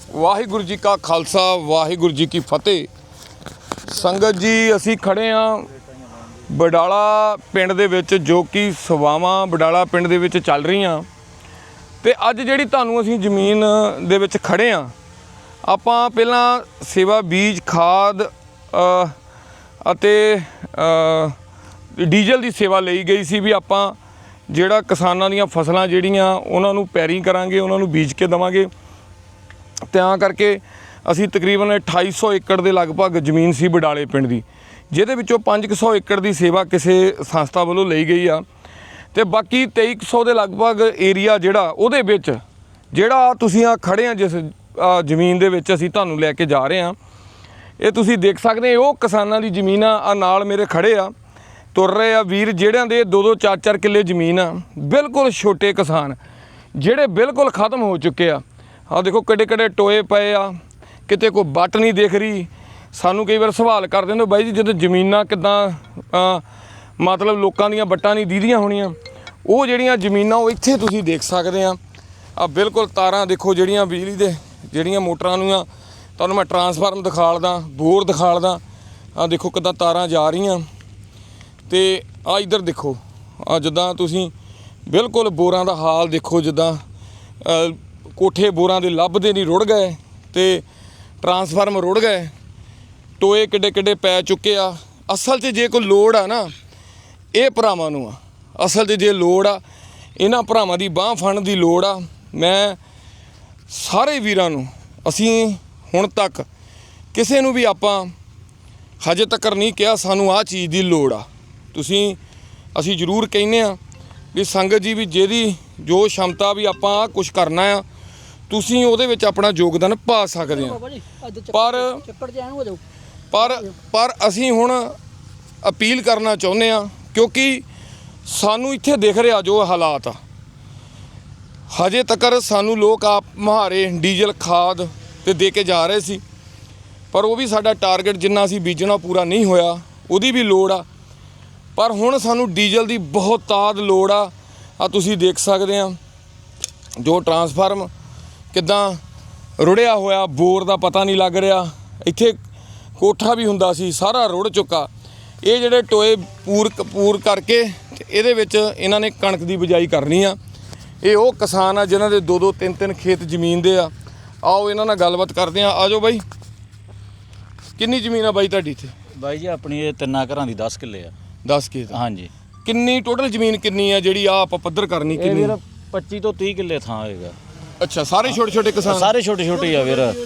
ਵਾਹਿਗੁਰੂ ਜੀ ਕਾ ਖਾਲਸਾ ਵਾਹਿਗੁਰੂ ਜੀ ਕੀ ਫਤਿਹ। ਸੰਗਤ ਜੀ, ਅਸੀਂ ਖੜੇ ਹਾਂ ਬਡਾਲਾ ਪਿੰਡ ਦੇ ਵਿੱਚ, ਜੋ ਕਿ ਸੇਵਾਵਾਂ ਬਡਾਲਾ ਪਿੰਡ ਦੇ ਵਿੱਚ ਚੱਲ ਰਹੀਆਂ। ਤੇ ਅੱਜ ਜਿਹੜੀ ਤੁਹਾਨੂੰ ਅਸੀਂ ਜ਼ਮੀਨ ਦੇ ਵਿੱਚ ਖੜੇ ਹਾਂ, ਆਪਾਂ ਪਹਿਲਾਂ ਸੇਵਾ ਬੀਜ ਖਾਦ ਅਤੇ ਡੀਜ਼ਲ ਦੀ ਸੇਵਾ ਲਈ ਗਈ ਸੀ ਵੀ ਆਪਾਂ ਜਿਹੜਾ ਕਿਸਾਨਾਂ ਦੀਆਂ ਫਸਲਾਂ ਜਿਹੜੀਆਂ ਉਹਨਾਂ ਨੂੰ ਪੈਰੀ ਕਰਾਂਗੇ, ਉਹਨਾਂ ਨੂੰ ਬੀਜ ਕੇ ਦੇਵਾਂਗੇ। ਤਾਂ ਕਰਕੇ ਅਸੀਂ ਤਕਰੀਬਨ 2800 ਏਕੜ ਦੇ ਲਗਭਗ ਜ਼ਮੀਨ ਸੀ ਬਡਾਲੇ ਪਿੰਡ ਦੀ, ਜਿਹਦੇ ਵਿੱਚੋਂ 500 ਏਕੜ ਦੀ ਸੇਵਾ ਕਿਸੇ ਸੰਸਥਾ ਵੱਲੋਂ ਲਈ ਗਈ ਆ। ਤੇ ਬਾਕੀ 2300 ਦੇ ਲਗਭਗ ਏਰੀਆ ਜਿਹੜਾ ਉਹਦੇ ਵਿੱਚ ਜਿਹੜਾ ਤੁਸੀਂ ਆ ਖੜੇ ਆ, ਜਿਸ ਜ਼ਮੀਨ ਦੇ ਵਿੱਚ ਅਸੀਂ ਤੁਹਾਨੂੰ ਲੈ ਕੇ ਜਾ ਰਹੇ ਹਾਂ, ਇਹ ਤੁਸੀਂ ਦੇਖ ਸਕਦੇ ਹੋ। ਉਹ ਕਿਸਾਨਾਂ ਦੀ ਜ਼ਮੀਨ ਆ, ਨਾਲ ਮੇਰੇ ਖੜੇ ਆ, ਤੁਰ ਰਹੇ ਆ ਵੀਰ, ਜਿਹੜਿਆਂ ਦੇ 2-2 4-4 ਕਿੱਲੇ ਜ਼ਮੀਨ ਆ। ਬਿਲਕੁਲ ਛੋਟੇ ਕਿਸਾਨ ਜਿਹੜੇ ਬਿਲਕੁਲ ਖਤਮ ਹੋ ਚੁੱਕੇ ਆ। ਆਹ ਦੇਖੋ ਕਿੱਡੇ ਕਿੱਡੇ ਟੋਏ ਪਏ ਆ, ਕਿਤੇ ਕੋਈ ਵੱਟ ਨਹੀਂ ਦਿਖ ਰਹੀ। ਸਾਨੂੰ ਕਈ ਵਾਰ ਸਵਾਲ ਕਰਦੇ ਨੇ, ਬਾਈ ਜੀ ਜਦੋਂ ਜ਼ਮੀਨਾਂ ਕਿੱਦਾਂ ਮਤਲਬ ਲੋਕਾਂ ਦੀਆਂ ਵੱਟਾਂ ਨਹੀਂ ਦੀਦੀਆਂ ਹੋਣੀਆਂ। ਉਹ ਜਿਹੜੀਆਂ ਜ਼ਮੀਨਾਂ ਉਹ ਇੱਥੇ ਤੁਸੀਂ ਦੇਖ ਸਕਦੇ ਆ। ਆ ਬਿਲਕੁਲ ਤਾਰਾਂ ਦੇਖੋ, ਜਿਹੜੀਆਂ ਬਿਜਲੀ ਦੇ ਜਿਹੜੀਆਂ ਮੋਟਰਾਂ ਨੂੰ ਆ, ਤੁਹਾਨੂੰ ਮੈਂ ਟਰਾਂਸਫਾਰਮ ਦਿਖਾਲਦਾ, ਬੋਰ ਦਿਖਾਲਦਾ। ਆ ਦੇਖੋ ਕਿੱਦਾਂ ਤਾਰਾਂ ਜਾ ਰਹੀਆਂ। ਤੇ ਆ ਇੱਧਰ ਦੇਖੋ, ਆ ਜਿੱਦਾਂ ਤੁਸੀਂ ਬਿਲਕੁਲ ਬੋਰਾਂ ਦਾ ਹਾਲ ਦੇਖੋ, ਜਿੱਦਾਂ ਕੋਠੇ ਬੋਰਾਂ ਦੇ ਲੱਭਦੇ ਨਹੀਂ, ਰੁੜ ਗਏ, ਤੇ ਟਰਾਂਸਫਾਰਮ ਰੁੜ ਗਏ, ਟੋਏ ਕਿੱਡੇ ਕਿੱਡੇ ਪੈ ਚੁੱਕੇ ਆ। ਅਸਲ 'ਚ ਜੇ ਕੋਈ ਲੋੜ ਆ ਨਾ, ਇਹ ਭਰਾਵਾਂ ਨੂੰ ਆ। ਅਸਲ 'ਚ ਜੇ ਲੋੜ ਆ, ਇਹਨਾਂ ਭਰਾਵਾਂ ਦੀ ਬਾਂਹ ਫੜਨ ਦੀ ਲੋੜ ਆ। ਮੈਂ ਸਾਰੇ ਵੀਰਾਂ ਨੂੰ, ਅਸੀਂ ਹੁਣ ਤੱਕ ਕਿਸੇ ਨੂੰ ਵੀ ਆਪਾਂ ਹਜੇ ਤੱਕ ਨਹੀਂ ਕਿਹਾ ਸਾਨੂੰ ਆਹ ਚੀਜ਼ ਦੀ ਲੋੜ ਆ। ਅਸੀਂ ਜ਼ਰੂਰ ਕਹਿੰਦੇ ਆ ਵੀ ਸੰਗਤ ਜੀ, ਵੀ ਜਿਹਦੀ ਜੋ ਸ਼ਮਤਾ ਵੀ ਆਪਾਂ ਆਹ ਕੁਛ ਕਰਨਾ ਆ, ਤੁਸੀਂ ਉਹਦੇ ਵਿੱਚ ਆਪਣਾ ਯੋਗਦਾਨ ਪਾ ਸਕਦੇ ਆ। ਪਰ ਅਸੀਂ ਹੁਣ ਅਪੀਲ ਕਰਨਾ ਚਾਹੁੰਦੇ ਆ, ਕਿਉਂਕਿ ਸਾਨੂੰ ਇੱਥੇ ਦਿਖ ਰਿਹਾ ਜੋ ਹਾਲਾਤ ਆ। ਹਜੇ ਤੱਕ ਸਾਨੂੰ ਲੋਕ ਆਪ ਮੁਹਾਰੇ ਡੀਜ਼ਲ ਖਾਦ ਤੇ ਦੇ ਕੇ ਜਾ ਰਹੇ ਸੀ, ਪਰ ਉਹ ਵੀ ਸਾਡਾ ਟਾਰਗੇਟ ਜਿੰਨਾ ਅਸੀਂ ਬੀਜਣਾ ਪੂਰਾ ਨਹੀਂ ਹੋਇਆ, ਉਹਦੀ ਵੀ ਲੋੜ ਆ। ਪਰ ਹੁਣ ਸਾਨੂੰ ਡੀਜ਼ਲ ਦੀ ਬਹੁਤ ਤਾਦ ਲੋੜ ਆ। ਆ ਤੁਸੀਂ ਦੇਖ ਸਕਦੇ ਆ ਜੋ ਟਰਾਂਸਫਾਰਮ ਕਿੱਦਾਂ ਰੁੜਿਆ ਹੋਇਆ, ਬੋਰ ਦਾ ਪਤਾ ਨਹੀਂ ਲੱਗ ਰਿਹਾ। ਇੱਥੇ ਕੋਠਾ ਵੀ ਹੁੰਦਾ ਸੀ, ਸਾਰਾ ਰੁੜ ਚੁੱਕਾ। ਇਹ ਜਿਹੜੇ ਟੋਏ ਪੂਰ ਕਰਕੇ ਇਹਦੇ ਵਿੱਚ ਇਹਨਾਂ ਨੇ ਕਣਕ ਦੀ ਬਿਜਾਈ ਕਰਨੀ ਆ। ਇਹ ਉਹ ਕਿਸਾਨ ਆ ਜਿਨ੍ਹਾਂ ਦੇ 2-2 3-3 ਖੇਤ ਜ਼ਮੀਨ ਦੇ ਆ। ਆਓ ਇਹਨਾਂ ਨਾਲ ਗੱਲਬਾਤ ਕਰਦੇ ਆ। ਆਜੋ ਬਾਈ, ਕਿੰਨੀ ਜ਼ਮੀਨ ਆ ਬਾਈ ਤੁਹਾਡੀ ਇੱਥੇ? ਬਾਈ ਜੀ ਆਪਣੀ ਇਹ 3 ਘਰਾਂ ਦੀ 10 ਕਿੱਲੇ ਆ। 10 ਖੇਤ? ਹਾਂਜੀ। ਕਿੰਨੀ ਟੋਟਲ ਜ਼ਮੀਨ ਕਿੰਨੀ ਆ ਜਿਹੜੀ ਆ ਆਪਾਂ ਪੱਧਰ ਕਰਨੀ? ਕਿੰਨੀ? 25 ਤੋਂ 30 ਕਿੱਲੇ ਥਾਂ ਹੋਏਗਾ। ਅੱਛਾ, ਸਾਰੇ ਛੋਟੇ ਛੋਟੇ ਕਿਸਾਨ? ਸਾਰੇ ਛੋਟੇ ਛੋਟੇ ਆ ਵੀਰ। ਉਹ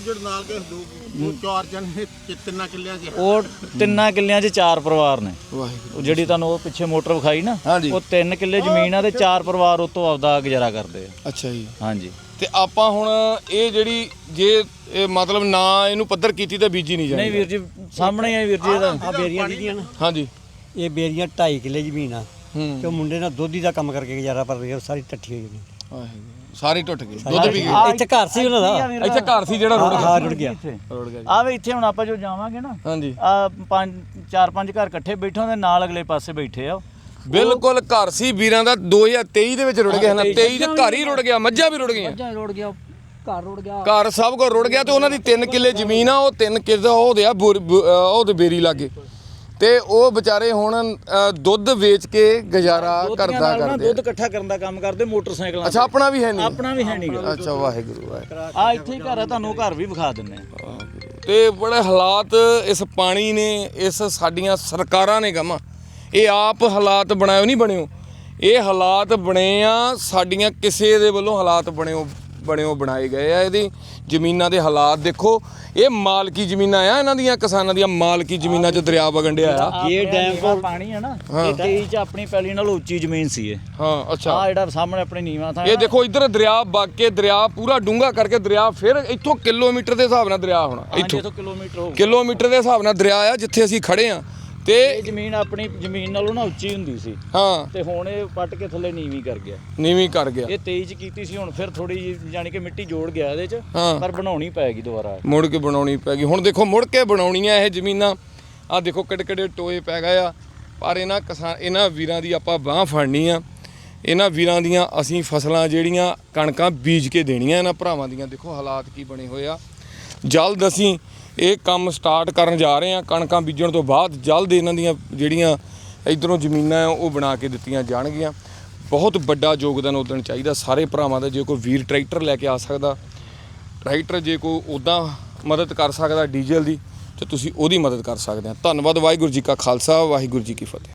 3 ਕਿੱਲਿਆਂ 'ਚ 4 ਪਰਿਵਾਰ ਨੇ। ਉਹ ਜਿਹੜੀ ਤੁਹਾਨੂੰ ਉਹ ਪਿੱਛੇ ਮੋਟਰ ਵਿਖਾਈ ਨਾ, ਉਹ 3 ਕਿੱਲੇ ਜ਼ਮੀਨ ਆ ਤੇ 4 ਪਰਿਵਾਰ ਉਹ ਤੋਂ ਆਪਦਾ ਗੁਜ਼ਾਰਾ ਕਰਦੇ ਆ। ਅੱਛਾ ਜੀ। ਹਾਂਜੀ। ਤੇ ਆਪਾਂ ਹੁਣ ਇਹ ਜਿਹੜੀ ਜੇ ਮਤਲਬ ਨਾ ਇਹਨੂੰ ਪੱਧਰ ਕੀਤੀ ਤਾਂ ਬੀਜੀ ਨਹੀਂ ਜਾਣੀ? ਨਹੀਂ ਵੀਰ ਜੀ, ਸਾਹਮਣੇ ਆ ਵੀਰ ਜੀ ਇਹਦਾ। ਆ ਬੇਰੀਆਂ ਦੀਆਂ ਨਾ। ਹਾਂਜੀ। ਇਹ ਬੇਰੀਆਂ 2.5 ਕਿੱਲੇ ਜ਼ਮੀਨ ਆ, ਤੇ ਉਹ ਮੁੰਡੇ ਨਾਲ ਦੋਧੀ ਦਾ ਕੰਮ ਕਰਕੇ ਗੁਜ਼ਾਰਾ ਕਰ ਰਿਹਾ। ਸਾਰੀ ਟੱਠੀ ਹੋਈ ਜ਼ਮੀਨ, ਸਾਰੀ ਟੁੱਟ ਗਈ, ਦੁੱਧ ਪੀ ਗਈ। ਇੱਥੇ ਘਰ ਸੀ ਉਹਨਾਂ ਦਾ, ਇੱਥੇ ਘਰ ਸੀ ਜਿਹੜਾ ਰੁੜ ਗਿਆ। ਹਾਂ, ਰੁੜ ਗਿਆ। ਆ ਵੇ ਇੱਥੇ ਹੁਣ ਆਪਾਂ ਜੋ ਜਾਵਾਂਗੇ ਨਾ, ਹਾਂਜੀ, ਆ 4-5 ਘਰ ਇਕੱਠੇ ਬੈਠੇ ਹੁੰਦੇ, ਨਾਲ ਅਗਲੇ ਪਾਸੇ ਬੈਠੇ ਆ। ਬਿਲਕੁਲ ਘਰ ਸੀ ਵੀਰਾਂ ਦਾ। 2023 ਦੇ ਵਿੱਚ ਰੁੜ ਗਿਆ ਨਾ। 23 ਦੇ ਘਰ ਹੀ ਰੁੜ ਗਿਆ, ਮੱਝਾਂ ਵੀ ਰੁੜ ਗਈਆਂ, ਰੁੜ ਗਿਆ, ਘਰ ਰੁੜ ਗਿਆ, ਘਰ ਸਭ ਕੁਝ ਰੁੜ ਗਿਆ। ਤੇ ਉਹਨਾਂ ਦੀ 3 ਕਿੱਲੇ ਜ਼ਮੀਨ ਆ, ਉਹ 3 ਕਿੱਲੇ ਉਹਦੇ ਆ ਉਹਦੇ ਬੇਰੀ ਲਾਗੇ। ਤੇ ਉਹ ਵਿਚਾਰੇ ਹੁਣ ਦੁੱਧ ਵੇਚ ਕੇ ਗੁਜ਼ਾਰਾ ਕਰਦਾ ਕਰਦੇ। ਦੁੱਧ ਇਕੱਠਾ ਕਰਨ ਦਾ ਕੰਮ ਕਰਦੇ ਮੋਟਰਸਾਈਕਲਾਂ। ਅੱਛਾ, ਆਪਣਾ ਵੀ ਹੈ ਨਹੀਂ? ਆਪਣਾ ਵੀ ਹੈ ਨਹੀਂ। ਅੱਛਾ, ਵਾਹਿਗੁਰੂ ਵਾਹਿਗੁਰੂ। ਆ ਇੱਥੇ ਹੀ ਘਰ ਆ, ਤੁਹਾਨੂੰ ਘਰ ਵੀ ਵਿਖਾ ਦਿੰਨੇ ਆ। ਤੇ ਬੜੇ ਹਾਲਾਤ ਇਸ ਪਾਣੀ ਨੇ, ਇਸ ਸਾਡੀਆਂ ਸਰਕਾਰਾਂ ਨੇ ਗਮਾ, ਇਹ ਆਪ ਹਾਲਾਤ ਬਣਾਇਓ ਨਹੀਂ ਬਣਿਓ। ਇਹ ਹਾਲਾਤ ਬਣੇ ਆ ਸਾਡੀਆਂ ਕਿਸੇ ਦੇ ਵੱਲੋਂ, ਹਾਲਾਤ ਬਣਾਏ ਗਏ ਆ। ਇਹਦੀ ਜ਼ਮੀਨਾਂ ਦੇ ਹਾਲਾਤ ਦੇਖੋ। ਇਹ ਮਾਲਕੀ ਜ਼ਮੀਨਾਂ ਆ ਇਹਨਾਂ ਦੀਆਂ, ਕਿਸਾਨਾਂ ਦੀਆਂ ਮਾਲਕੀ ਜ਼ਮੀਨਾਂ 'ਚ ਦਰਿਆ ਵਗਣ ਡਿਆ ਆ। ਇਹ ਡੈਮ ਕੋਲ ਪਾਣੀ ਆ ਨਾ, ਇਹ 23 'ਚ ਆਪਣੀ ਪੈਲੀ ਨਾਲ ਉੱਚੀ ਜ਼ਮੀਨ ਸੀ ਇਹ। ਹਾਂ, ਅੱਛਾ। ਆ ਜਿਹੜਾ ਸਾਹਮਣੇ ਆਪਣੇ ਨੀਵਾਂ ਥਾਂ, ਇਹ ਦੇਖੋ ਇੱਧਰ ਦਰਿਆ ਵਗ ਕੇ, ਦਰਿਆ ਪੂਰਾ ਡੂੰਘਾ ਕਰਕੇ ਦਰਿਆ ਫਿਰ ਇੱਥੋਂ ਕਿਲੋਮੀਟਰ ਦੇ ਹਿਸਾਬ ਨਾਲ ਦਰਿਆ ਹੋਣਾ। ਇੱਥੋਂ ਕਿਲੋਮੀਟਰ ਦੇ ਹਿਸਾਬ ਨਾਲ ਦਰਿਆ ਆ ਜਿੱਥੇ ਅਸੀਂ ਖੜੇ ਆ। ਤੇ ਇਹ ਜ਼ਮੀਨ ਆਪਣੀ ਜ਼ਮੀਨ ਨਾਲੋਂ ਨਾ ਉੱਚੀ ਹੁੰਦੀ ਸੀ। ਹਾਂ। ਤੇ ਹੁਣ ਇਹ ਪੱਟ ਕੇ ਥੱਲੇ ਨੀਵੀਂ ਕਰ ਗਿਆ। ਇਹ 23 'ਚ ਕੀਤੀ ਸੀ, ਹੁਣ ਫਿਰ ਥੋੜੀ ਜਿਹੀ ਜਾਨੀ ਕਿ ਮਿੱਟੀ ਜੋੜ ਗਿਆ ਇਹਦੇ 'ਚ, ਪਰ ਬਣਾਉਣੀ ਪੈਗੀ ਦੁਬਾਰਾ, ਮੁੜ ਕੇ ਬਣਾਉਣੀ ਪੈਗੀ। ਹੁਣ ਦੇਖੋ ਮੁੜ ਕੇ ਬਣਾਉਣੀਆਂ ਇਹ ਜ਼ਮੀਨਾਂ। ਆ ਦੇਖੋ ਕਿੱਡੇ ਕਿੱਡੇ ਟੋਏ ਪੈ ਗਏ ਆ। ਪਰ ਇਹਨਾਂ ਵੀਰਾਂ ਦੀ ਆਪਾਂ ਬਾਂਹ ਫੜਨੀ ਆ। ਇਹਨਾਂ ਵੀਰਾਂ ਦੀਆਂ ਅਸੀਂ ਫਸਲਾਂ ਜਿਹੜੀਆਂ ਕਣਕਾਂ ਬੀਜ ਕੇ ਦੇਣੀਆਂ ਇਹਨਾਂ ਭਰਾਵਾਂ ਦੀਆਂ। ਦੇਖੋ ਹਾਲਾਤ ਕੀ ਬਣੇ ਹੋਏ ਆ। ਜਲਦ ਅਸੀਂ ਇਹ ਕੰਮ ਸਟਾਰਟ ਕਰਨ ਜਾ ਰਹੇ ਹਾਂ। ਕਣਕਾਂ ਬੀਜਣ ਤੋਂ ਬਾਅਦ ਜਲਦ ਇਹਨਾਂ ਦੀਆਂ ਜਿਹੜੀਆਂ ਇੱਧਰੋਂ ਜ਼ਮੀਨਾਂ ਆ ਉਹ ਬਣਾ ਕੇ ਦਿੱਤੀਆਂ ਜਾਣਗੀਆਂ। ਬਹੁਤ ਵੱਡਾ ਯੋਗਦਾਨ ਉੱਦਣ ਚਾਹੀਦਾ ਸਾਰੇ ਭਰਾਵਾਂ ਦਾ। ਜੇ ਕੋਈ ਵੀਰ ਟਰੈਕਟਰ ਲੈ ਕੇ ਆ ਸਕਦਾ, ਟਰੈਕਟਰ ਜੇ ਕੋਈ ਉੱਦਾਂ ਮਦਦ ਕਰ ਸਕਦਾ ਡੀਜ਼ਲ ਦੀ, ਤਾਂ ਤੁਸੀਂ ਉਹਦੀ ਮਦਦ ਕਰ ਸਕਦੇ ਆ। ਧੰਨਵਾਦ। ਵਾਹਿਗੁਰੂ ਜੀ ਕਾ ਖਾਲਸਾ, ਵਾਹਿਗੁਰੂ ਜੀ ਕੀ ਫਤਿਹ।